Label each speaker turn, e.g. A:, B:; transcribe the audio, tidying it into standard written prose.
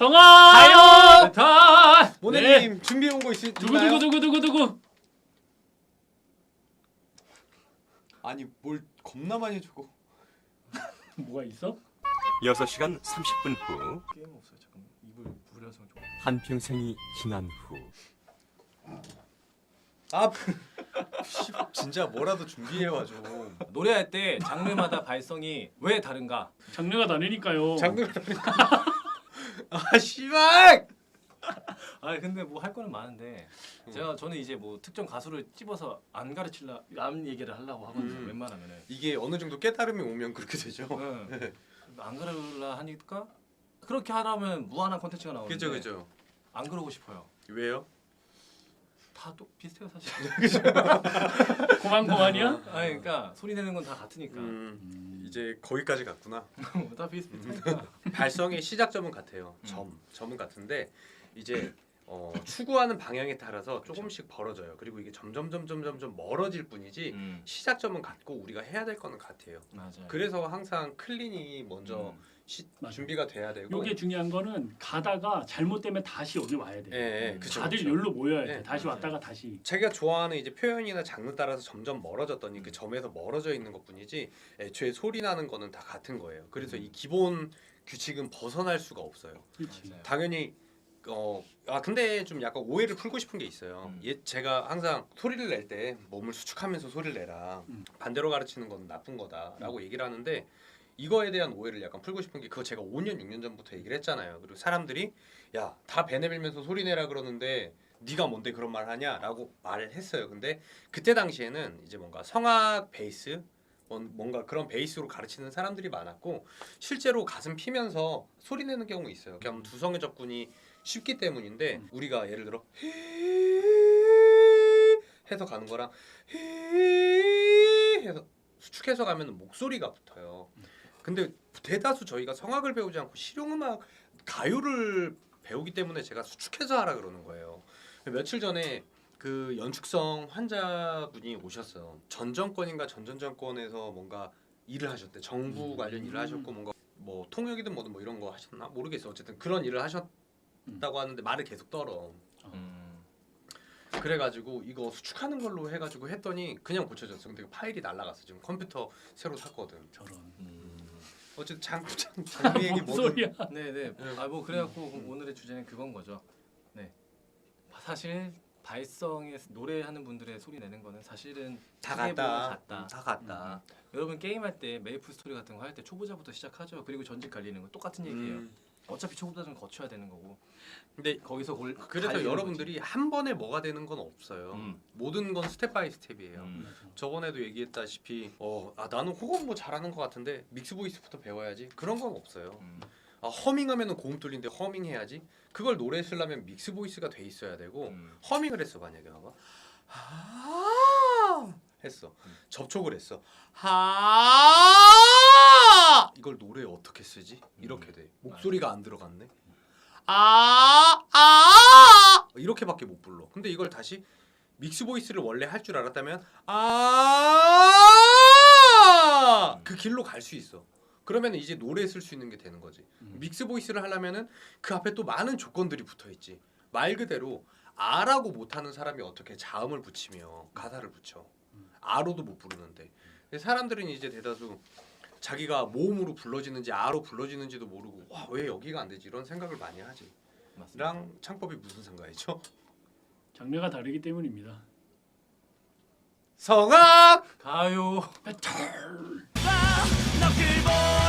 A: 성아!
B: 가요!
A: 다!
B: 모네님 준비해 온 거 있나요?
A: 누구?
B: 아니 뭘 겁나 많이 주고.
A: 뭐가 있어?
C: 6시간 30분 후
B: 게임 없어요. 잠깐만. 입을 부려서 좀.
C: 한평생이 지난 후
B: 아 진짜 뭐라도 준비해 와줘.
D: 노래할 때 장르마다 발성이 왜 다른가?
A: 장르가 다르니까요.
B: 아 씨발!
D: 아 근데 뭐 할 거는 많은데 저는 이제 뭐 특정 가수를 찝어서 안 가르칠라 남 얘기를 하려고 하거든요. 웬만하면은
B: 이게 어느 정도 깨달음이 오면 그렇게 되죠.
D: 네. 안 그러려 하니까 그렇게 하려면 무한한 콘텐츠가 나오는데
B: 그죠.
D: 안 그러고 싶어요.
B: 왜요?
D: 다 또 비슷해요 사실.
A: 고만고만이야?
D: 아니 그러니까 소리 내는 건 다 같으니까
B: 이제 거기까지 갔구나.
D: 다 비슷비슷하니까.
B: 발성의 시작점은 같아요. 점은 같은데 이제 추구하는 방향에 따라서 조금씩 벌어져요. 그리고 이게 점점 멀어질 뿐이지 시작점은 같고 우리가 해야 될 거는 같아요.
D: 맞아요.
B: 그래서 항상 클린이 먼저
A: 맞아요.
B: 준비가 돼야 되고.
A: 요게 중요한 거는 가다가 잘못되면 다시 여기 와야 돼.
B: 예, 그쵸,
A: 다들
B: 그쵸.
A: 여기로 모여야 돼.
B: 네,
A: 다시
D: 맞아요.
A: 왔다가 다시.
B: 자기가 좋아하는 이제 표현이나 장르 따라서 점점 멀어졌더니 그 점에서 멀어져 있는 것뿐이지 애초에 소리 나는 거는 다 같은 거예요. 그래서 이 기본 규칙은 벗어날 수가 없어요.
A: 그렇지.
D: 맞아요.
B: 당연히 근데 좀 약간 오해를 풀고 싶은 게 있어요. 제가 항상 소리를 낼 때 몸을 수축하면서 소리를 내라. 반대로 가르치는 건 나쁜 거다라고 얘기를 하는데 이거에 대한 오해를 약간 풀고 싶은 게 그거 제가 5년 6년 전부터 얘기를 했잖아요. 그리고 사람들이 야, 다 배 내밀면서 소리 내라 그러는데 네가 뭔데 그런 말 하냐라고 말을 했어요. 근데 그때 당시에는 이제 뭔가 성악 베이스 뭔가 그런 베이스로 가르치는 사람들이 많았고 실제로 가슴 피면서 소리 내는 경우 있어요. 그냥 두성의 접근이 쉽기 때문인데 우리가 예를 들어 해서 가는 거랑 해서 수축해서 가면 목소리가 붙어요. 근데 대다수 저희가 성악을 배우지 않고 실용음악 가요를 배우기 때문에 제가 수축해서 하라 그러는 거예요. 며칠 전에 그 연축성 환자분이 오셨어요. 전 정권인가 전전정권에서 뭔가 일을 하셨대. 정부 관련 일을 하셨고 뭔가 뭐 통역이든 뭐든 뭐 이런 거 하셨나 모르겠어. 어쨌든 그런 일을 하셨다고 하는데 말을 계속 떨어. 그래가지고 이거 수축하는 걸로 해가지고 했더니 그냥 고쳐졌어. 근데 파일이 날라갔어. 지금 컴퓨터 새로 샀거든.
A: 저런.
B: 어쨌든 장르 얘기
A: 뭔
B: 뭐든
A: 소리야?
D: 네네. 아 뭐 그래갖고 오늘의 주제는 그건 거죠. 네. 사실 발성에 노래하는 분들의 소리 내는 거는 사실은
B: 다
D: 크게 보면
B: 같다. 다 같다.
D: 여러분 게임할 때 메이플 스토리 같은 거 할 때 초보자부터 시작하죠. 그리고 전직 갈리는 거 똑같은 얘기예요. 어차피 초보자는 거쳐야 되는 거고.
B: 근데
D: 거기서
B: 그래서
D: 갈리는
B: 여러분들이 한 번에 뭐가 되는 건 없어요. 모든 건 스텝 바이 스텝이에요. 저번에도 얘기했다시피 나는 호흡 뭐 잘하는 것 같은데 믹스 보이스부터 배워야지. 그런 건 없어요. 허밍하면은 고음 뚫린데 허밍 해야지. 그걸 노래 쓰려면 믹스 보이스가 돼 있어야 되고 허밍을 했어 만약에 봐봐. 했어. 접촉을 했어. 이걸 노래에 어떻게 쓰지? 이렇게 돼. 목소리가 안 들어갔네. 이렇게밖에 못 불러. 근데 이걸 다시 믹스 보이스를 원래 할 줄 알았다면 그 길로 갈 수 있어. 그러면 이제 노래 쓸 수 있는 게 되는 거지. 믹스 보이스를 하려면은 그 앞에 또 많은 조건들이 붙어 있지. 말 그대로 아라고 못하는 사람이 어떻게 자음을 붙이며 가사를 붙여. 아로도 못 부르는데. 사람들은 이제 대다수 자기가 모음으로 불러지는지 아로 불러지는지도 모르고 와, 왜 여기가 안 되지 이런 생각을 많이 하지.
D: 맞습니다.
B: 랑 창법이 무슨 상관이죠?
A: 장르가 다르기 때문입니다.
B: 성악
D: 가요.
A: 배틀.
E: 너를 보